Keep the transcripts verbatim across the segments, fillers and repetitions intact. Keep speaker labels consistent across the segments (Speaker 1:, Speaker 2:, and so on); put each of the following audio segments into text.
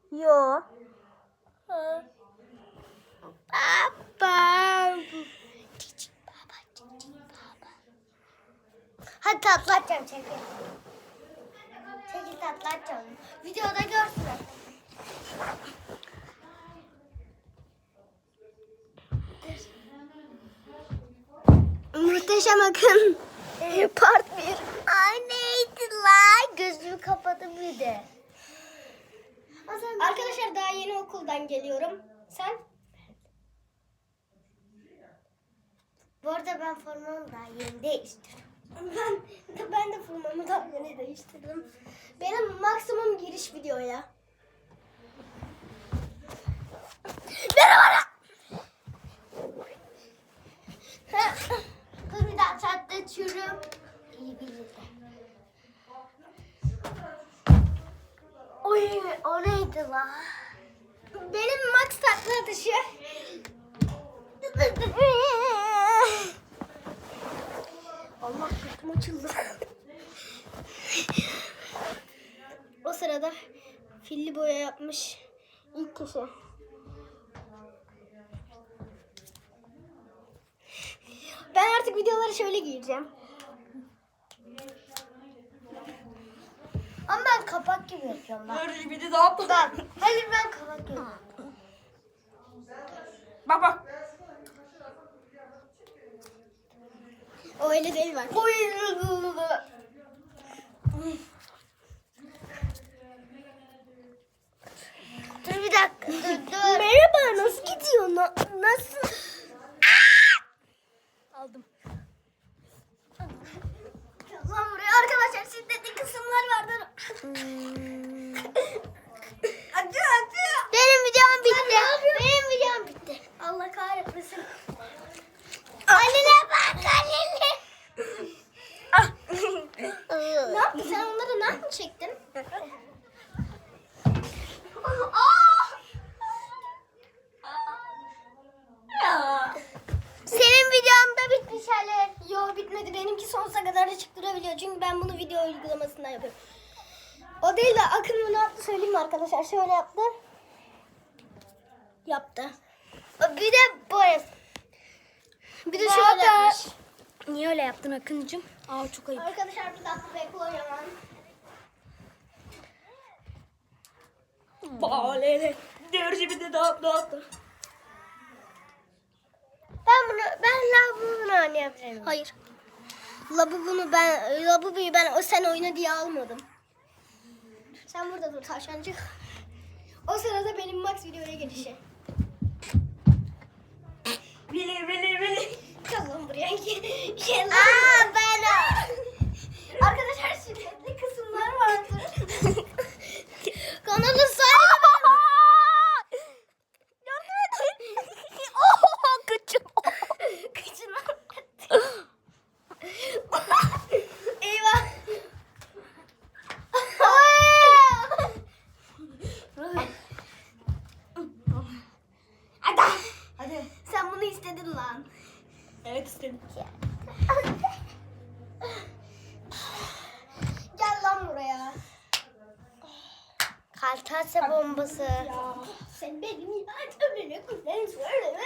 Speaker 1: Yo. Ha. Baba. Cici baba, cici baba. Hadi tatlı atacağım çekil. Çekil tatlı atacağım. Videoda görsün. Muhteşem Akın part bir. Ay neydi lan? Gözümü kapadım bir de. Arkadaşlar daha yeni okuldan geliyorum. Sen? Bu arada ben formamı daha yeni değiştirdim. Ben, ben de formamı daha yeni değiştirdim. Benim maksimum giriş videoya. Merhaba. Dur bir daha tatlı açıyorum. İyi birlikte. Oy o neydi la? Benim max tatlı atışı. Allah sırtım açıldı. O sırada filli boya yapmış ilk kişi. Ben artık videoları şöyle giyeceğim. Ama ben kapak gibi yapıyorum.
Speaker 2: Dur bir de daha yapalım.
Speaker 1: Ben, hayır ben kapak gibi.
Speaker 2: Bak bak.
Speaker 1: O öyle değil bak. Oy. Dur bir dakika. Dur dur. Merhaba, nasıl gidiyor? Na- nasıl? Aldım. Lan buraya arkadaşlar şiddetli kısımlar vardır.
Speaker 2: Acı acı.
Speaker 1: Benim videom bitti. Benim videom bitti. Allah kahretmesin. Annene bak annene. Ne yaptın sen onları nereden çektin? Senin videon da bitmiş hele. Yok bitmedi. Benimki sonsuza kadar da çıktırabiliyor. Çünkü ben bunu video uygulamasından yapıyorum. O değil de Akın bunu yaptı söyleyeyim mi arkadaşlar? Şöyle yaptı. Yaptı. Bir de böyle. Bir de şöyle yapmış.
Speaker 2: Niye öyle yaptın Akıncığım? Aa çok ayıp.
Speaker 1: Arkadaşlar bir dakika bekliyorum.
Speaker 2: Balele. Dur bir de daha daha yaptım.
Speaker 1: Ben bunu ben Labubu'nu oynayabilirim. Hayır. Labubu'nu ben Labubu'yu ben o sen oyna diye almadım. Sen burada dur tavşancık. O sırada benim Max videoya gelişi.
Speaker 2: Bili bili bili.
Speaker 1: Gel lan buraya. Gel lan. Aa ben arkadaşlar şiddetli kısımlar vardır. Kanalı sahibi.
Speaker 2: Yardım edin. Oh kıçım.
Speaker 1: Kıçına. Eyvah.
Speaker 2: Hadi. Hadi.
Speaker 1: Sen bunu istedin lan.
Speaker 2: Evet istedim.
Speaker 1: Gel lan buraya. Kaltase bombası.
Speaker 2: Ya.
Speaker 1: Sen benim yardımını kullanıyorsun.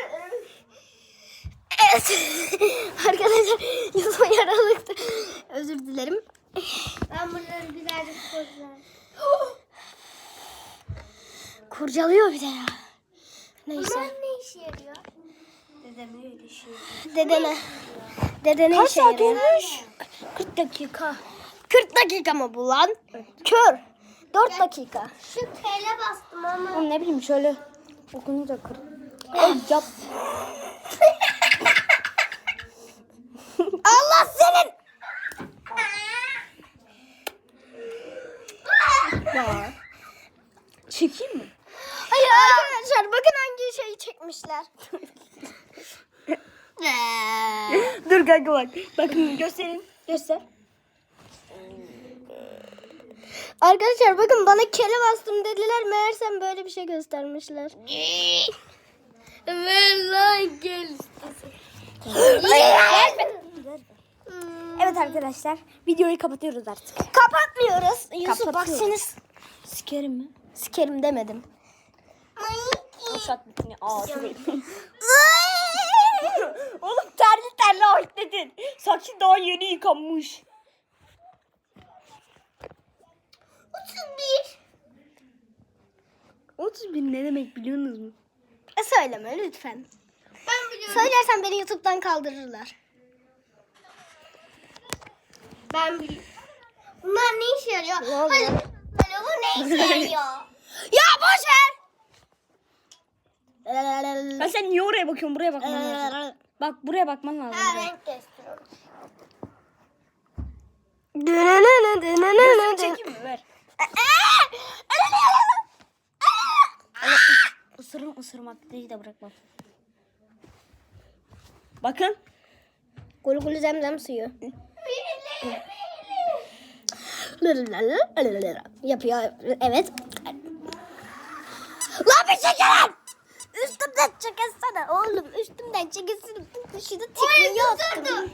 Speaker 1: Evet. Arkadaşlar yüzüme yaralıktı. Özür dilerim. Ben bunları güzelce kurcalayayım. Kurcalıyor bir de ya. Neyse. Bunlar ne işe yarıyor?
Speaker 2: Dedem öyle şey.
Speaker 1: Dedene. Dedene
Speaker 2: Kaç
Speaker 1: işe
Speaker 2: saat
Speaker 1: yarıyor.
Speaker 2: olmuş?
Speaker 1: kırk dakika. kırk dakika mı bu lan? Kör. dört dakika. Şu tele bastım ama.
Speaker 2: Oğlum ne bileyim şöyle okununca kır. Ay yap.
Speaker 1: Allah senin.
Speaker 2: Ya. Çekeyim mi?
Speaker 1: Hayır arkadaşlar bakın hangi şeyi çekmişler.
Speaker 2: Dur kanka bak. Bakın göstereyim. Göster.
Speaker 1: Arkadaşlar bakın bana kele bastım dediler. Meğersem böyle bir şey göstermişler. Ver lan gel.
Speaker 2: Evet arkadaşlar videoyu kapatıyoruz artık.
Speaker 1: Kapatmıyoruz. Yusuf bak
Speaker 2: Kapatıyoruz.
Speaker 1: seni
Speaker 2: Sikerim mi?
Speaker 1: Sikerim demedim.
Speaker 2: Uşak bitini. Aa çok iyi. Oğlum terli terli ayıkladın. Saçın daha yeni yıkanmış.
Speaker 1: otuz bir.
Speaker 2: otuz bin ne demek biliyorsunuz mu?
Speaker 1: E söyleme lütfen. Ben biliyorum. Söylersen beni YouTube'dan kaldırırlar. Ben biliyorum. Bunlar ne işe yarıyor?
Speaker 2: Ne oldu?
Speaker 1: Hadi. Hadi bu ne işe yarıyor? Ya boş ver.
Speaker 2: Ben sen niye oraya bakıyorsun? Buraya bakman lazım. Bak buraya bakman lazım.
Speaker 1: Ha,
Speaker 2: Buraya.
Speaker 1: renk gösteriyorum.
Speaker 2: Gözünü çekeyim mi? Ver. Isırım ısırmak değil de bırakmam. Bakın.
Speaker 1: Gulu gulu zemzem suyu. Yapıyor. Evet. Lan bir çekelim. Üstümden çekilsene oğlum. Üstümden çekilsene. Şurada tikliği attım.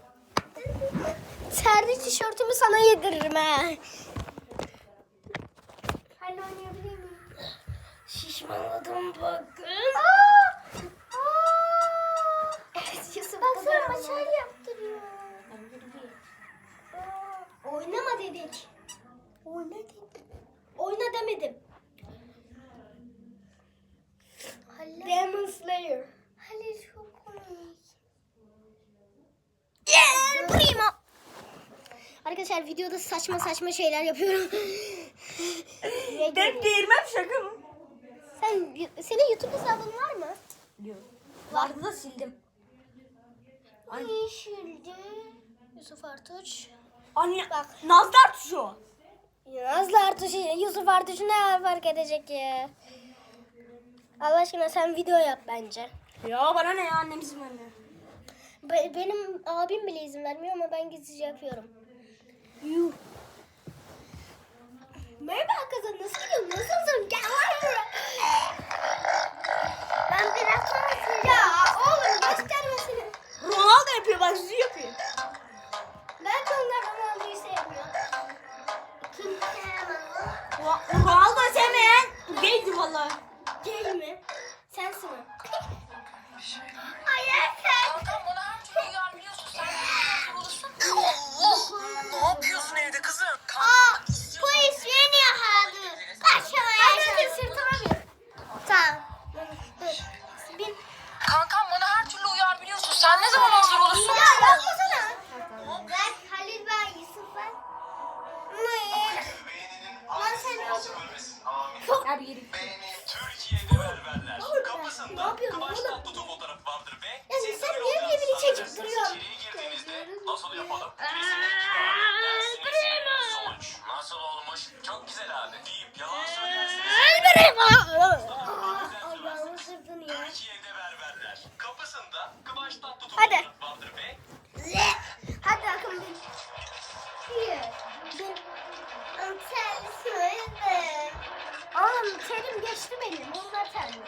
Speaker 1: Terli tişörtümü sana yediririm ha. Hadi oynayabilir miyim? Şişmanladım bakın. Aa! Aa! Evet, Yusuf bak sana maçar yaptırıyor. Aa, oynama dedik. Oyna dedik. Oyna demedim. Demon Slayer. Halil çok komik. Yeah, primo. Arkadaşlar videoda saçma saçma şeyler yapıyorum.
Speaker 2: Ben değirmem şaka mı?
Speaker 1: Sen senin YouTube hesabın var mı?
Speaker 2: Yok. Vardı da sildim.
Speaker 1: Yeşildi. Yusuf Artuç.
Speaker 2: Anne bak. Nazlar tuşu.
Speaker 1: Nazlı Artuç, Yusuf Artuç ne fark edecek ya? Allah aşkına sen video yap bence.
Speaker 2: Ya bana ne ya, annem izin vermiyor.
Speaker 1: Be- benim abim bile izin vermiyor ama ben gizlice yapıyorum. Yuh. Merhaba kızım, nasıl gidiyorsun? Nasılsın? Gel lan buraya. Ben biraz sonra ya oğlum göstermesini.
Speaker 2: Ronaldo yapıyor, bak yüzü yapıyor.
Speaker 1: Belki onlar Ronaldo'yu sevmiyor. Kim sevmiyor?
Speaker 2: Ro- Ronaldo sevmeyen gaydi valla.
Speaker 1: Gay mi? Sensin mi? Hayır sen.
Speaker 3: Kankam bana her türlü uyarmıyorsun. Sen de hazır olursun. Allah! Ne yapıyorsun evde kızım?
Speaker 1: Aa, polis beni yakaladı. Kaçamaya Hadi sırtıma bin. Tamam. Dur. Bin.
Speaker 3: Kankam bana her türlü uyar biliyorsun. Sen ne zaman hazır olursun?
Speaker 1: Ya yapmasana. Ben Halil ben Yusuf ben. Ne? Lan sen çok...
Speaker 2: Abi yürü.
Speaker 4: Türkiye'de berberler.
Speaker 1: Ne
Speaker 4: Kapısında
Speaker 1: yapıyorsun
Speaker 4: Kıvanç
Speaker 1: oğlum?
Speaker 4: Tatlıtuğ fotoğrafı vardır ve
Speaker 1: Ya
Speaker 4: siz
Speaker 1: sen
Speaker 4: öyle
Speaker 1: niye
Speaker 4: olacaksınız
Speaker 1: birbirini çekip
Speaker 4: sanırsınız.
Speaker 1: duruyorsun?
Speaker 4: İçeriye girdiğinizde nasıl yapalım? Kesinlikle dersiniz. Sonuç nasıl olmuş? Çok güzel abi deyip yalan söylersiniz.
Speaker 1: Allah'ını sırdın ya.
Speaker 4: Türkiye'de berberler. Kapısında Kıvanç Tatlıtuğ
Speaker 1: Hadi.
Speaker 4: fotoğrafı vardır ve
Speaker 1: Hadi akım bin. Bir. Bir. Terlisin. Oğlum terim geçti benim. Onlar terli.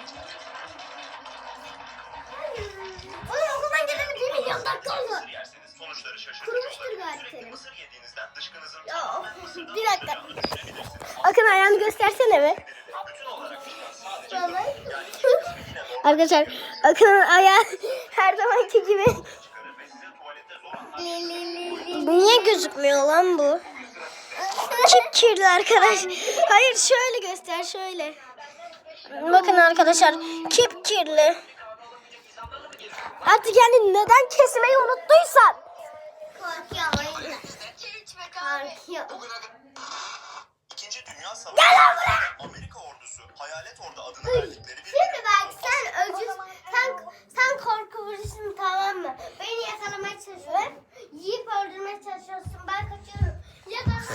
Speaker 1: Oğlum okuldan geleli bir milyon dakika oldu.
Speaker 4: mısır yerseniz sonuçları şaşırtıcı
Speaker 1: Kurumuştur
Speaker 4: olabilir.
Speaker 1: galiba
Speaker 4: Sürekli
Speaker 1: terim.
Speaker 4: mısır yediğinizden dışkınızın
Speaker 1: Ya
Speaker 4: tamamen mısırdan
Speaker 1: bir dakika.
Speaker 4: oluşacağını düşünebilirsiniz.
Speaker 1: Akın ayağını göstersene be.
Speaker 4: Bütün olarak çıkan sadece
Speaker 1: Arkadaşlar Akın'ın ayağı her zamanki gibi.
Speaker 4: çıkarır ve size tuvalette zor anlar.
Speaker 1: Niye gözükmüyor lan bu? Çok kirli arkadaş. Hayır şöyle göster şöyle. Bakın arkadaşlar kip kirli. Artık yani neden kesmeyi unuttuysan. Korkuyor. Korkuyor.
Speaker 4: İkinci Dünya Savaşı'nda Amerika ordusu Hayalet Ordu adını verdikleri bir
Speaker 1: Şimdi bak sen öcüz, sen, sen korkuyorsun tamam mı? Beni yakalamaya çalışıyorsun. Yiyip öldürmeye çalışıyorsun. Ben kaçıyorum. Yakala.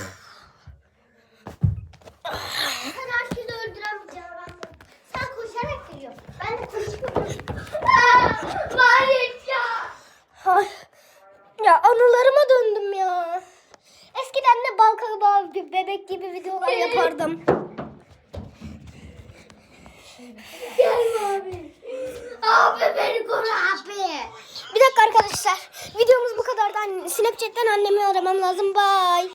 Speaker 1: Sen herkesi öldüren bir canavar. Sen koşarak geliyorsun. Ben de koşuyorum. Hayır ya. Ya anılarıma döndüm ya. Eskiden de bal kabağı bir bebek gibi videolar yapardım. Gelme abi. Abi beni koru abi. Bir dakika arkadaşlar. Videomuz bu kadardı. Snapchat'ten annemi aramam lazım. Bye.